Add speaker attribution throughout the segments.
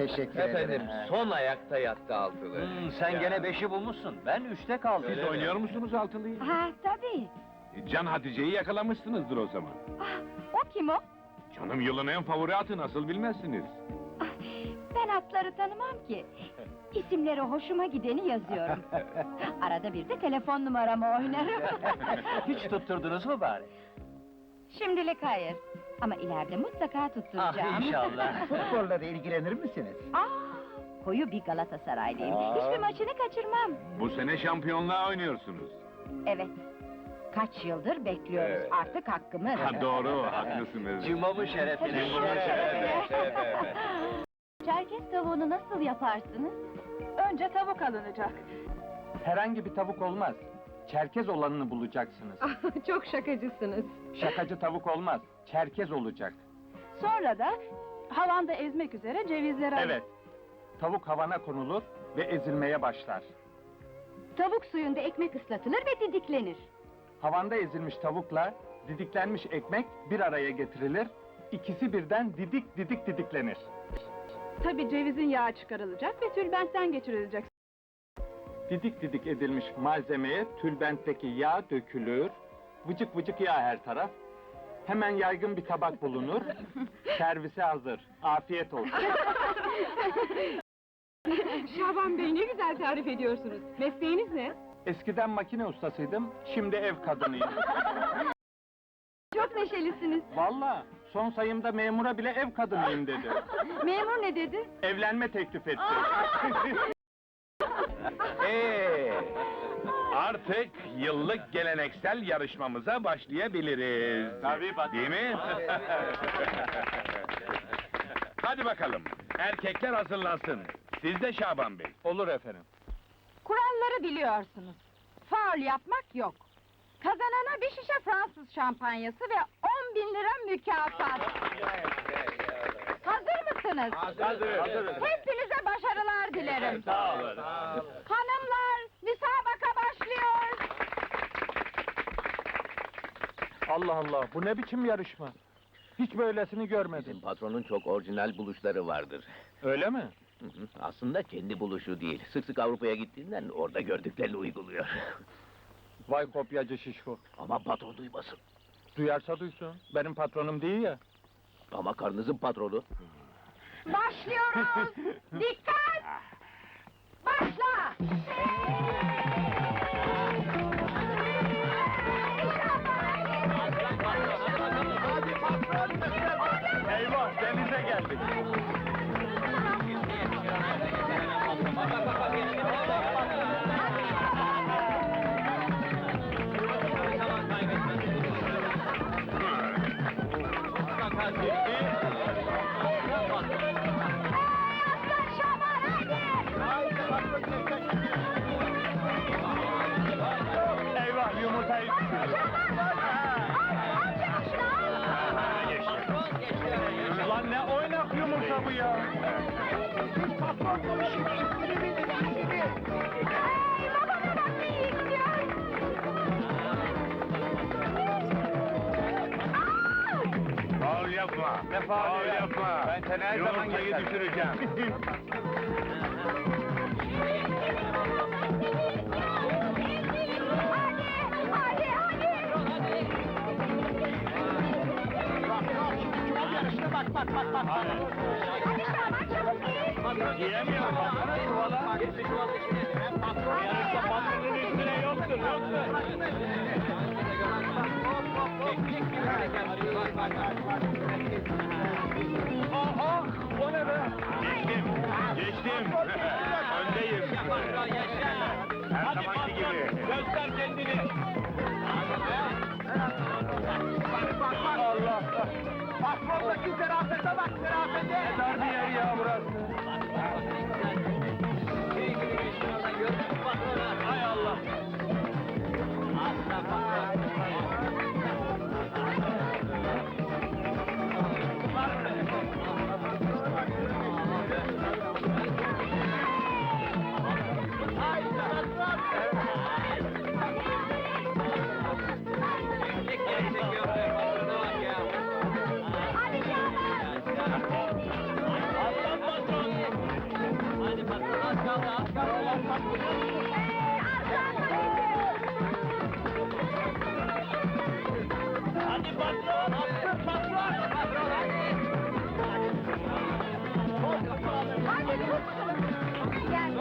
Speaker 1: Teşekkür
Speaker 2: Efendim, son ayakta yattı altılı.
Speaker 3: Sen gene 5'i bulmuşsun. Ben 3'te kaldım.
Speaker 2: Öyle
Speaker 4: Siz
Speaker 2: mi?
Speaker 4: oynuyor musunuz altılıyı?
Speaker 5: Ha tabii.
Speaker 4: Can Hatice'yi yakalamışsınızdır o zaman.
Speaker 5: O kim o?
Speaker 4: Canım yılın en favori atı nasıl bilmezsiniz?
Speaker 5: Ben atları tanımam ki. İsimleri hoşuma gideni yazıyorum. Arada bir de telefon numaramı oynarım.
Speaker 3: Hiç tutturdunuz mu bari?
Speaker 5: Şimdilik hayır. Ama ileride mutlaka tutturacağım.
Speaker 3: Ah inşallah.
Speaker 1: Futbolla da ilgilenir misiniz?
Speaker 5: Koyu bir Galatasaraylıyım.
Speaker 3: Aa.
Speaker 5: Hiçbir maçını kaçırmam.
Speaker 4: Bu sene şampiyonluğa oynuyorsunuz.
Speaker 5: Evet. Kaç yıldır bekliyoruz.
Speaker 2: Evet.
Speaker 5: Artık hakkımız.
Speaker 4: Ha, doğru, haklısınız.
Speaker 3: Cuma'mın şerefine.
Speaker 2: Evet.
Speaker 5: Çerkez tavuğunu nasıl yaparsınız?
Speaker 6: Önce tavuk alınacak.
Speaker 7: Herhangi bir tavuk olmaz. Çerkez olanını bulacaksınız.
Speaker 6: Çok şakacısınız.
Speaker 7: Şakacı tavuk olmaz. Çerkez olacak.
Speaker 6: Sonra da havanda ezmek üzere cevizleri alın.
Speaker 7: Evet. Tavuk havana konulur ve ezilmeye başlar.
Speaker 5: Tavuk suyunda ekmek ıslatılır ve didiklenir.
Speaker 7: Havanda ezilmiş tavukla didiklenmiş ekmek bir araya getirilir. İkisi birden didik didik didiklenir.
Speaker 6: Tabii cevizin yağı çıkarılacak ve tülbentten geçirilecek.
Speaker 7: Didik didik edilmiş malzemeye tülbentteki yağ dökülür. Vıcık vıcık yağ her taraf. Hemen yaygın bir tabak bulunur. Servise hazır. Afiyet olsun.
Speaker 6: Şaban Bey ne güzel tarif ediyorsunuz. Mesleğiniz ne?
Speaker 7: Eskiden makine ustasıydım, şimdi ev kadınıyım.
Speaker 6: Çok neşelisiniz.
Speaker 7: Vallahi son sayımda memura bile ev kadınıyım dedi.
Speaker 6: Memur ne dedi?
Speaker 7: Evlenme teklif etti.
Speaker 4: Artık yıllık geleneksel yarışmamıza başlayabiliriz.
Speaker 7: Tabii, patron.
Speaker 4: Değil mi? Hadi bakalım, erkekler hazırlansın. Siz de Şaban Bey.
Speaker 7: Olur efendim.
Speaker 5: Kuralları biliyorsunuz. Faul yapmak yok. Kazanana bir şişe Fransız şampanyası ve 10.000 lira mükafat. Hazır mısınız?
Speaker 7: Hazırız.
Speaker 5: Hepinize başarılar dilerim.
Speaker 7: Sağ olun.
Speaker 5: Hanımlar, müsabaka başlıyor.
Speaker 7: Allah Allah, bu ne biçim yarışma? Hiç böylesini görmedim.
Speaker 8: Bizim patronun çok orijinal buluşları vardır.
Speaker 7: Öyle mi?
Speaker 8: Hı hı, aslında kendi buluşu değil. Sık sık Avrupa'ya gittiğinden orada gördüklerini uyguluyor.
Speaker 7: Vay kopyacı şişko.
Speaker 8: Ama patron duymasın.
Speaker 7: Duyarsa duysun, benim patronum değil ya.
Speaker 8: Ama karnınızın patronu.
Speaker 5: Başlıyoruz. Dikkat! Başla!
Speaker 7: Eyvah, denize geldik. Eyvah, yumurtayı Lan ne oynak yumurta bu ya?
Speaker 4: Faul yapma.
Speaker 7: Ne faul
Speaker 4: yapma.
Speaker 7: Ben seni her zaman
Speaker 4: Yumurtayı
Speaker 7: geçerim.
Speaker 4: düşüreceğim.
Speaker 7: Yiyemiyorum, baksana çuvala. Yarışta patronun üstüne yoktur, Ah, o ne be?
Speaker 4: Geçtim. Öndeyim. Her zamanki gibi.
Speaker 7: Göster kendini. Allah! Patrondaki zerafete bak, zerafete! Ne dar bir yer ya burası! Hay Allah!
Speaker 3: Hadi patron! Patron!
Speaker 5: Hadi tut şunu. Gel.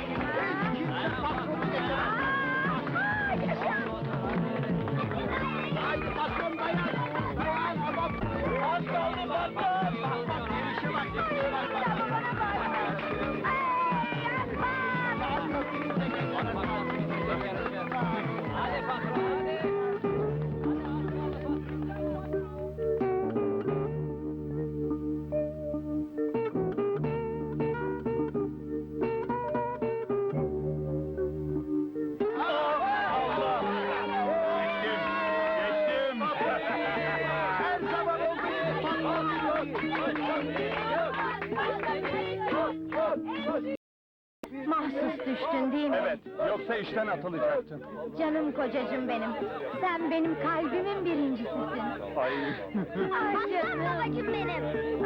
Speaker 3: Haydi patron dayan! Dayan adam! Az kaldı patron! Bak bak gelişe bak! Gelişe bak bak! Hadi patron hadi!
Speaker 4: Geçtim.
Speaker 3: Her zaman olduğu gibi
Speaker 5: Mahsus düştün değil mi?
Speaker 4: Evet, yoksa işten atılacaktın.
Speaker 5: Canım kocacığım benim. Sen benim kalbimin birincisisin.
Speaker 4: Ay.
Speaker 5: Aslan babacığım benim.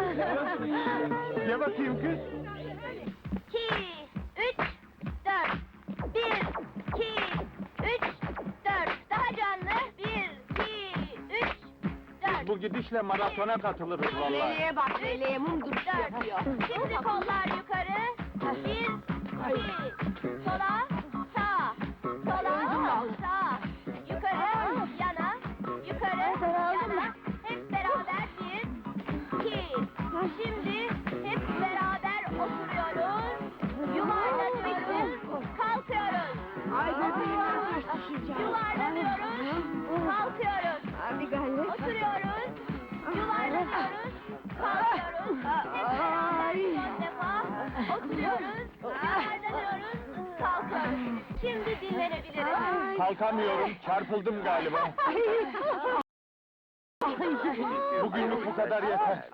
Speaker 4: Ye bakayım kız.
Speaker 5: 2, 3, 4. 1, 2, 3, 4. Daha canlı. 1, 2, 3, 4.
Speaker 7: Bu gidişle maratona katılırız vallahi.
Speaker 5: Leleğe bak, leleğe mum duruş yapıyor. Şimdi kollar yukarı. 1, 2, sola, sağ, sola, sağ, yukarı, yana, yukarı, yana. Hep beraber 1, 2. Şimdi hep beraber oturuyoruz, yuvarlanıyoruz, kalkıyoruz. Yuvarlanıyoruz, kalkıyoruz. Oturuyoruz, yuvarlanıyoruz, kalkıyoruz. Hep beraber son defa oturuyoruz, yuvarlanıyoruz, kalkıyoruz. Şimdi dinlenebiliriz.
Speaker 7: Kalkamıyorum, çarpıldım galiba. Bugünlük bu kadar yeter.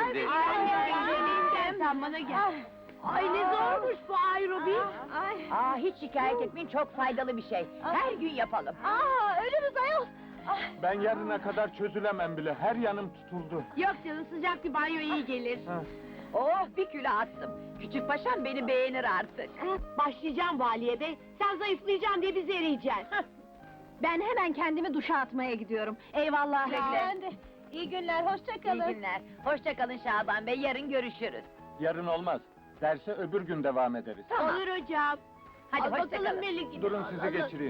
Speaker 5: Sen bana gel. Ay ne zormuş bu aerobik.
Speaker 6: Hiç şikayet etmeyin, çok faydalı bir şey. Her gün yapalım.
Speaker 5: Ölürüz ayol.
Speaker 7: Ben yarına kadar çözülemem bile, her yanım tutuldu.
Speaker 6: Yok canım, sıcak bir banyo iyi gelir.
Speaker 7: Ha.
Speaker 6: Oh, bir kilo attım. Küçük paşam beni beğenir artık. Başlayacağım valiye bey, sen zayıflayacaksın diye bizi eriyeceksin.
Speaker 5: Ben hemen kendimi duşa atmaya gidiyorum. Eyvallah.
Speaker 6: Ben
Speaker 5: de. İyi günler, hoşça
Speaker 6: İyi günler. Hoşça kalın Şaban bey, yarın görüşürüz.
Speaker 7: Yarın olmaz, derse öbür gün devam ederiz.
Speaker 6: Olur hocam. Hadi hoşça kalın.
Speaker 7: Durun sizi geçireyim.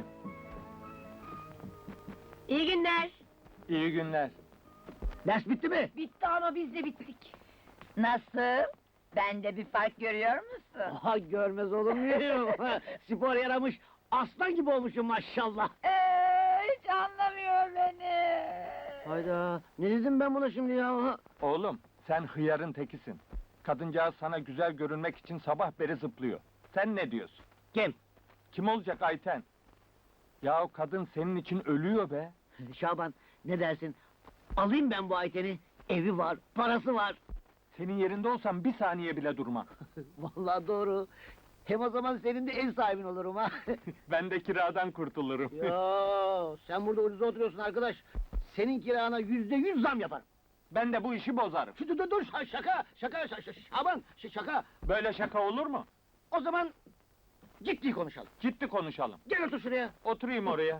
Speaker 6: İyi günler.
Speaker 7: İyi günler.
Speaker 3: Ders bitti mi?
Speaker 6: Bitti ama biz de bittik. Nasıl? Bende bir fark görüyor musun?
Speaker 3: Aha görmez olur muyum? Spor yaramış, aslan gibi olmuşum maşallah.
Speaker 6: Hiç anlamıyor beni.
Speaker 3: Hayda, ne dedim ben buna şimdi ya?
Speaker 7: Oğlum, sen hıyarın tekisin. Kadıncağız sana güzel görünmek için sabah beri zıplıyor. Sen ne diyorsun?
Speaker 3: Kim?
Speaker 7: Kim olacak Ayten? Yahu kadın senin için ölüyor be.
Speaker 3: Şaban, ne dersin? Alayım ben bu Ayten'i, evi var, parası var.
Speaker 7: Senin yerinde olsam bir saniye bile durma.
Speaker 3: Vallahi doğru. Hem o zaman senin de ev sahibin olurum ha.
Speaker 7: Ben de kiradan kurtulurum.
Speaker 3: Yo, sen burada ucuza oturuyorsun arkadaş. Senin kirana %100 zam yaparım.
Speaker 7: Ben de bu işi bozarım.
Speaker 3: Dur, şaka, Şaban, şaka.
Speaker 7: Böyle şaka olur mu?
Speaker 3: O zaman ciddi konuşalım.
Speaker 7: Ciddi konuşalım.
Speaker 3: Gel otur şuraya.
Speaker 7: Oturayım oraya.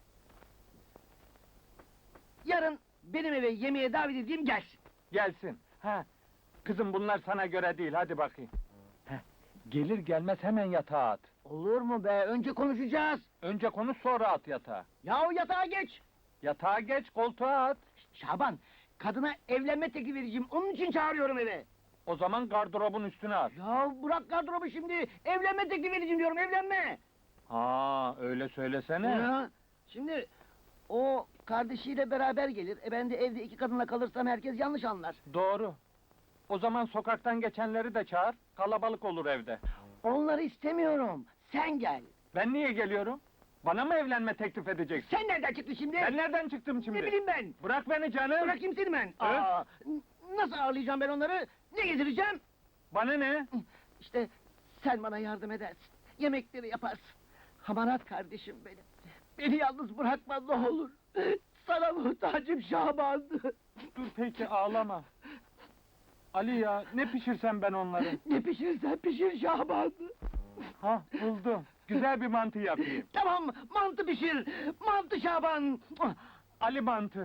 Speaker 3: Yarın benim eve yemeğe davet edeyim gelsin.
Speaker 7: Gelsin. Ha. Kızım bunlar sana göre değil, hadi bakayım. Heh. Gelir gelmez hemen yatağa at.
Speaker 3: Olur mu be? Önce konuşacağız.
Speaker 7: Önce konuş sonra at yatağa.
Speaker 3: Yahu yatağa geç.
Speaker 7: Yatağa geç, koltuğa at.
Speaker 3: Şaban, kadına evlenme teklifi vereceğim. Onun için çağırıyorum eve.
Speaker 7: O zaman gardırobun üstüne at.
Speaker 3: Ya bırak gardırobu şimdi. Evlenme teklifi vereceğim diyorum, evlenme.
Speaker 7: Ha, öyle söylesene.
Speaker 3: Ya, şimdi o kardeşiyle beraber gelir. Ben de evde iki kadınla kalırsam herkes yanlış anlar.
Speaker 7: Doğru. O zaman sokaktan geçenleri de çağır, kalabalık olur evde.
Speaker 3: Onları istemiyorum. Sen gel.
Speaker 7: Ben niye geliyorum? Bana mı evlenme teklif edeceksin?
Speaker 3: Sen nereden çıktın şimdi?
Speaker 7: Ben nereden çıktım şimdi?
Speaker 3: Ne bileyim ben.
Speaker 7: Bırak beni canım.
Speaker 3: Bırakayım seni ben.
Speaker 7: Evet.
Speaker 3: Nasıl ağırlayacağım ben onları? Ne getireceğim?
Speaker 7: Bana ne?
Speaker 3: İşte sen bana yardım edersin. Yemekleri yaparsın. Hamarat kardeşim benim. Beni yalnız bırakma ne olur. Sana muhtacım Şaban.
Speaker 7: Dur peki, ağlama. Ali ya, ne pişirsem ben onları?
Speaker 3: Ne pişirirsen pişir Şaban.
Speaker 7: Ha, buldum. Güzel bir mantı yapayım.
Speaker 3: Tamam, mantı pişir. Mantı Şaban.
Speaker 7: Ali mantı.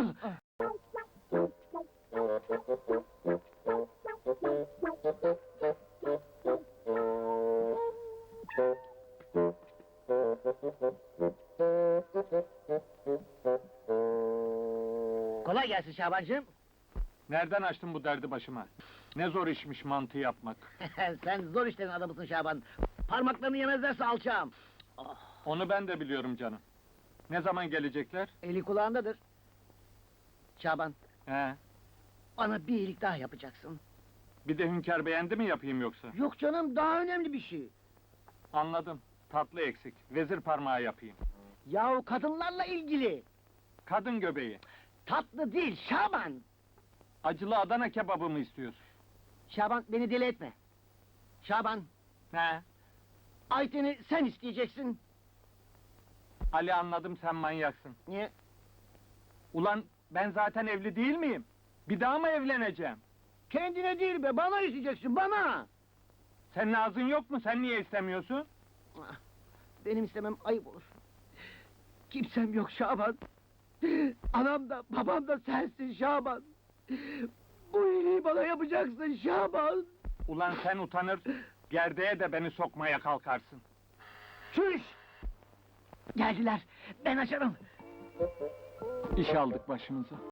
Speaker 3: Kolay gelsin Şabancığım.
Speaker 7: Nereden açtın bu derdi başıma? Ne zor işmiş mantı yapmak.
Speaker 3: Sen zor işlerin adamısın Şaban. Parmaklarını yemezlerse alçağım.
Speaker 7: Onu ben de biliyorum canım. Ne zaman gelecekler?
Speaker 3: Eli kulağındadır. Şaban,
Speaker 7: He.
Speaker 3: bana bir iyilik daha yapacaksın.
Speaker 7: Bir de Hünkar beğendi mi yapayım yoksa?
Speaker 3: Yok canım, daha önemli bir şey.
Speaker 7: Anladım. Tatlı eksik. Vezir parmağı yapayım.
Speaker 3: Yahu kadınlarla ilgili.
Speaker 7: Kadın göbeği.
Speaker 3: Tatlı değil Şaban.
Speaker 7: Acılı Adana kebabı mı istiyorsun?
Speaker 3: Şaban, beni deli etme. Şaban,
Speaker 7: He.
Speaker 3: Ayten'i sen isteyeceksin.
Speaker 7: Ali anladım sen manyaksın.
Speaker 3: Niye?
Speaker 7: Ulan ben zaten evli değil miyim? Bir daha mı evleneceğim?
Speaker 3: Kendine değil be, bana isteyeceksin, bana!
Speaker 7: Senin ağzın yok mu? Sen niye istemiyorsun?
Speaker 3: Ah, benim istemem ayıp olur. Kimsem yok Şaban. Anam da, babam da sensin Şaban. Bu iyiliği bana yapacaksın Şaban.
Speaker 7: Ulan sen utanır, gerdeğe de beni sokmaya kalkarsın.
Speaker 3: Çüş! Geldiler, ben açarım.
Speaker 7: İş aldık başımıza.